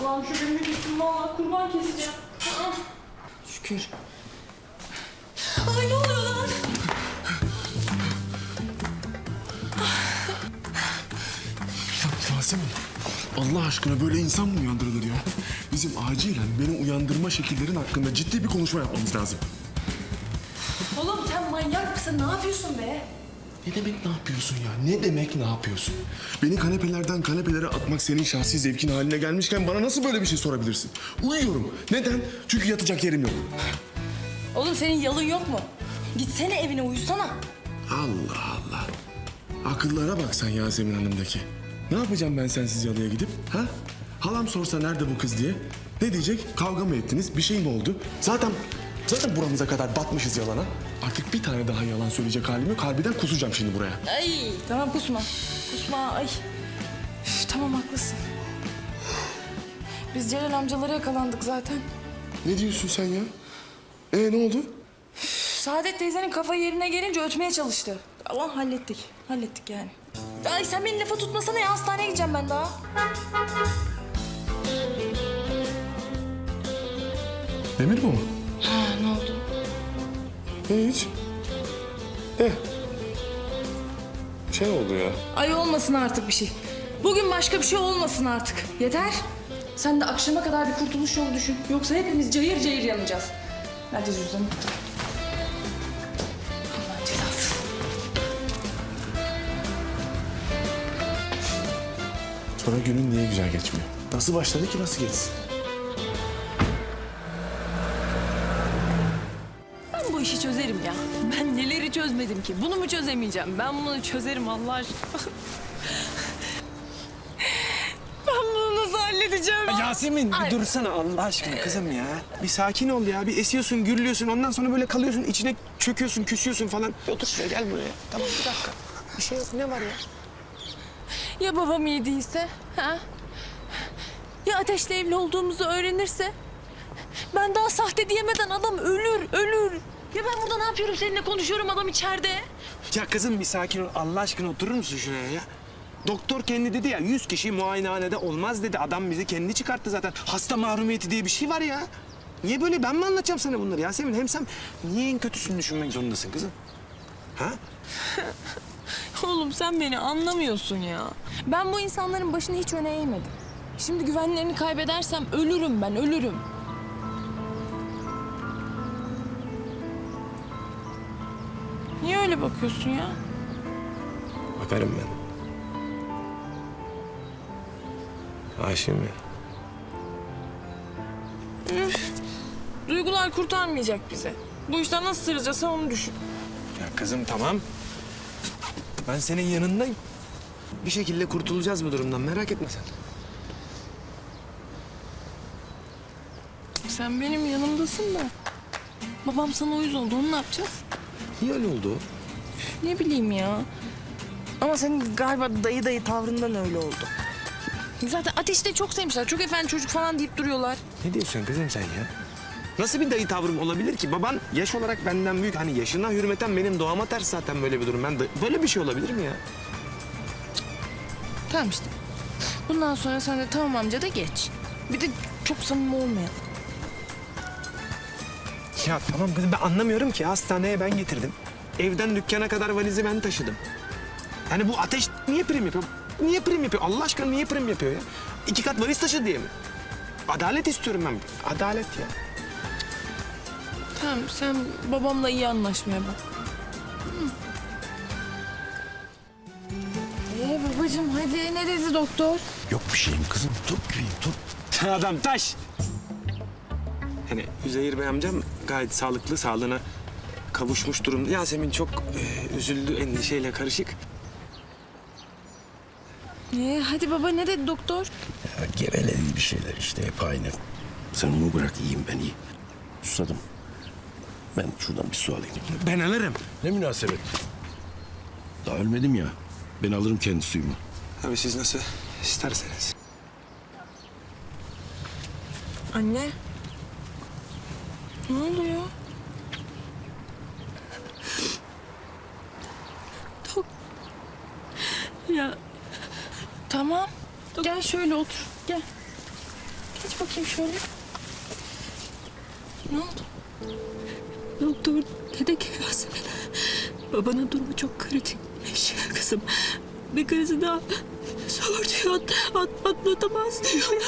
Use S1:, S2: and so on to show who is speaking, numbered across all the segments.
S1: Allah'ım şu benim gitsin valla kurban keseceğim.
S2: Şükür.
S1: Ay ne oluyor lan?
S3: Yasemin, Allah aşkına böyle insan mı uyandırılır ya? Bizim acilen beni uyandırma şekillerin hakkında ciddi bir konuşma yapmamız lazım.
S1: Oğlum sen manyak mısın? Ne yapıyorsun be?
S3: Ne demek ne yapıyorsun ya? Ne demek ne yapıyorsun? Beni kanepelerden kanepelere atmak senin şahsi zevkin haline gelmişken bana nasıl böyle bir şey sorabilirsin? Uyuyorum. Neden? Çünkü yatacak yerim yok.
S1: Oğlum senin yalın yok mu? Gitsene evine uyusana.
S3: Allah Allah. Akıllara bak sen Yasemin Hanım'daki. Ne yapacağım ben sensiz yalıya gidip? Ha? Halam sorsa nerede bu kız diye. Ne diyecek? Kavga mı ettiniz? Bir şey mi oldu? Zaten buramıza kadar batmışız yalana. Artık bir tane daha yalan söyleyecek halim yok. Harbiden kusacağım şimdi buraya.
S1: Ay tamam kusma. Kusma ay. Üf, tamam haklısın. Biz Celal amcalara yakalandık zaten.
S3: Ne diyorsun sen ya? Ne oldu?
S1: Saadet teyzenin kafa yerine gelince ötmeye çalıştı. Ama hallettik. Hallettik yani. Ay sen beni lafa tutmasana ya. Hastaneye gideceğim ben daha.
S3: Demir bu mu?
S1: Ha ne oldu?
S3: Hiç. Şey oldu ya.
S1: Ay olmasın artık bir şey. Bugün başka bir şey olmasın artık. Yeter. Sen de akşama kadar bir kurtuluş yolu düşün. Yoksa hepimiz cayır cayır yanacağız. Hadi cüzdanı. Allah'ın cezası.
S3: Sonra günün niye güzel geçmiyor? Nasıl başladı ki nasıl geçsin?
S2: Ben bu işi çözerim ya. Ben neleri çözmedim ki? Bunu mu çözemeyeceğim? Ben bunu çözerim Allah aşkına. Ben bunu nasıl halledeceğim?
S4: Yasemin bir dursana Allah aşkına kızım ya. Bir sakin ol ya. Bir esiyorsun, gürlüyorsun. Ondan sonra böyle kalıyorsun. İçine çöküyorsun, küsüyorsun falan. Otur şuraya gel buraya. Tamam bir dakika. Bir şey yok. Ne var ya?
S2: Ya babam iyi değilse? Ha? Ya Ateş'le evli olduğumuzu öğrenirse? Ben daha sahte diyemeden adam ölür. Ya ben burada ne yapıyorum? Seninle konuşuyorum, adam içeride.
S4: Ya kızım bir sakin ol. Allah aşkına oturur musun şuraya ya? Doktor kendi dedi ya 100 kişi muayenehanede olmaz dedi. Adam bizi kendi çıkarttı zaten. Hasta mahrumiyeti diye bir şey var ya. Niye böyle? Ben mi anlatacağım sana bunları Yasemin? Hem sen niye en kötüsünü düşünmek zorundasın kızım? Ha?
S2: Oğlum sen beni anlamıyorsun ya. Ben bu insanların başını hiç öne eğmedim. Şimdi güvenlerini kaybedersem ölürüm ben, ölürüm. Niye öyle bakıyorsun ya?
S4: Bakarım ben. Aşığım ya.
S2: Üf, duygular kurtarmayacak bizi. Bu işten nasıl sıracağız sen onu düşün.
S4: Ya kızım tamam. Ben senin yanındayım. Bir şekilde kurtulacağız bu durumdan. Merak etme sen.
S2: Sen benim yanımdasın da. Babam sana uyuz oldu, onu ne yapacağız?
S4: Niye öyle oldu?
S2: Ne bileyim ya. Ama senin galiba dayı tavrından öyle oldu. Zaten Ateş'i de çok sevmişler. Çok efendi çocuk falan deyip duruyorlar.
S4: Ne diyorsun kızım sen ya? Nasıl bir dayı tavrım olabilir ki? Baban yaş olarak benden büyük. Hani yaşına hürmeten benim doğama ters zaten böyle bir durum. Böyle bir şey olabilir mi ya?
S2: Tamam işte. Bundan sonra sen de tamam amca da geç. Bir de çok samimi olmayalım.
S4: Ya tamam kızım ben anlamıyorum ki. Hastaneye ben getirdim. Evden dükkana kadar valizi ben taşıdım. Yani bu Ateş niye prim yapıyor? Niye prim yapıyor? Allah aşkına niye prim yapıyor ya? 2 kat valiz taşı diye mi? Adalet istiyorum ben. Adalet ya.
S2: Tamam sen babamla iyi anlaşmaya bak. Babacığım hadi ne dedi doktor?
S5: Yok bir şeyim kızım. Dur gibiyim dur.
S4: Adam taş. Hani Üzeyir Bey amcam gayet sağlıklı, sağlığına kavuşmuş durumda. Yasemin çok üzüldü, endişeyle karışık.
S2: Hadi baba ne dedi doktor?
S5: Ya geveledi bir şeyler işte hep aynı. Sen onu bırak iyiyim ben iyi. Susadım. Ben şuradan bir su alayım.
S4: Ben alırım.
S5: Ne münasebet. Daha ölmedim ya. Ben alırım kendi suyumu.
S4: Abi siz nasıl isterseniz.
S2: Anne. Ne oluyor? Ya tamam. Gel şöyle otur. Gel. Geç bakayım şöyle. Ne oldu?
S6: Doktor dedi ki Yasemin, babanın durumu çok kritikmiş kızım. Bir krizi daha zor diyor, atlatamaz diyor.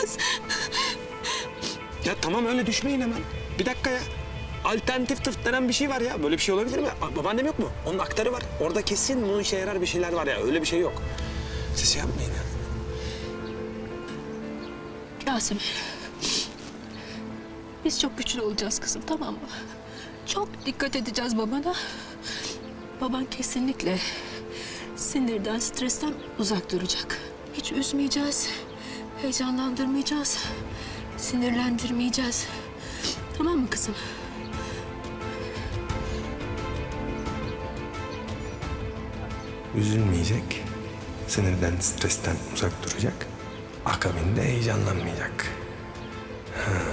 S4: Ya tamam öyle düşmeyin hemen. Bir dakika ya. Alternatif tıp denen bir şey var ya. Böyle bir şey olabilir mi? Babaannem yok mu? Onun aktarı var. Orada kesin bunun işe yarar bir şeyler var ya. Öyle bir şey yok. Siz şey yapmayın ya.
S6: Yasemin, biz çok güçlü olacağız kızım, tamam mı? Çok dikkat edeceğiz babana. Baban kesinlikle sinirden, stresten uzak duracak. Hiç üzmeyeceğiz, heyecanlandırmayacağız, sinirlendirmeyeceğiz. Tamam mı kızım?
S4: Üzülmeyecek. Sinirden, stresten uzak duracak. Akabinde heyecanlanmayacak. Ha.